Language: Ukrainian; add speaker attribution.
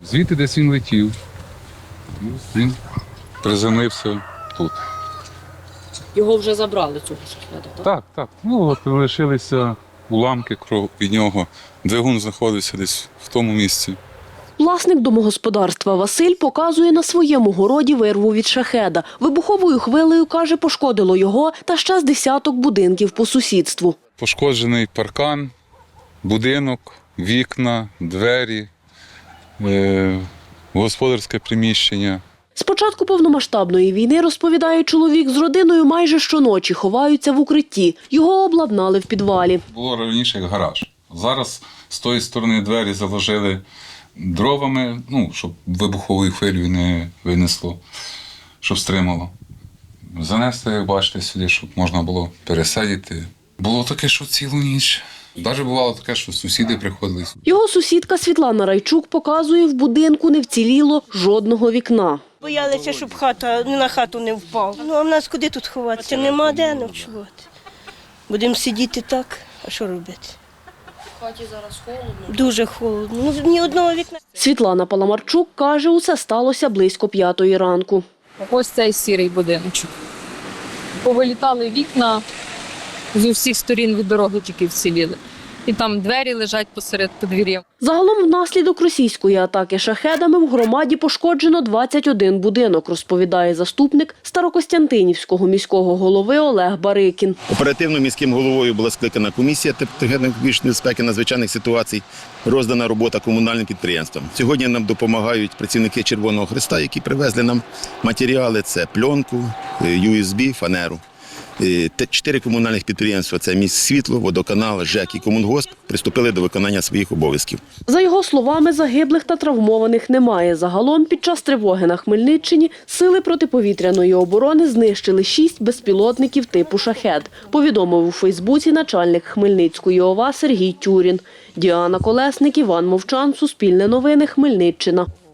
Speaker 1: Звідти десь він летів. Він приземлився тут.
Speaker 2: Його вже забрали, цього шахеда, так?
Speaker 1: Так. Ну от лишилися уламки від нього. Двигун знаходився десь в тому місці.
Speaker 3: Власник домогосподарства Василь показує на своєму городі вирву від шахеда. Вибуховою хвилею, каже, пошкодило його та ще з десяток будинків по сусідству.
Speaker 1: Пошкоджений паркан, будинок, вікна, двері, господарське приміщення.
Speaker 3: З початку повномасштабної війни, розповідає чоловік, з родиною майже щоночі ховаються в укритті. Його обладнали в підвалі.
Speaker 1: Було раніше як гараж. Зараз з тої сторони двері заложили дровами, щоб вибуховою хвилею не винесло, щоб стримало. Занесли, як бачите, сюди, щоб можна було пересадити. Було таке, що цілу ніч. Навіть бувало таке, що сусіди приходили.
Speaker 3: Його сусідка Світлана Райчук показує, в будинку не вціліло жодного вікна.
Speaker 4: Боялися, щоб хата на хату не впав. А в нас куди тут ховатися? Нема де ночувати. Будемо сидіти так, а що робити?
Speaker 2: В хаті зараз холодно.
Speaker 4: Дуже холодно. Ні одного вікна.
Speaker 3: Світлана Паламарчук каже, усе сталося близько 5-ї ранку.
Speaker 5: Ось цей сірий будиночок. Повилітали вікна, з усіх сторін від дороги тільки вціліли. І там двері лежать посеред подвір'я.
Speaker 3: Загалом внаслідок російської атаки шахедами в громаді пошкоджено 21 будинок, розповідає заступник Старокостянтинівського міського голови Олег Барикін.
Speaker 6: Оперативно міським головою була скликана комісія технічної безпеки надзвичайних ситуацій, роздана робота комунальним підприємствам. Сьогодні нам допомагають працівники Червоного Хреста, які привезли нам матеріали – це пленку, USB, фанеру. 4 комунальних підприємства – це Міськсвітло, Водоканал, ЖЕК і Комунгосп – приступили до виконання своїх обов'язків.
Speaker 3: За його словами, загиблих та травмованих немає. Загалом під час тривоги на Хмельниччині сили протиповітряної оборони знищили 6 безпілотників типу «Шахед», повідомив у Фейсбуці начальник Хмельницької ОВА Сергій Тюрін. Діана Колесник, Іван Мовчан, Суспільне новини, Хмельниччина.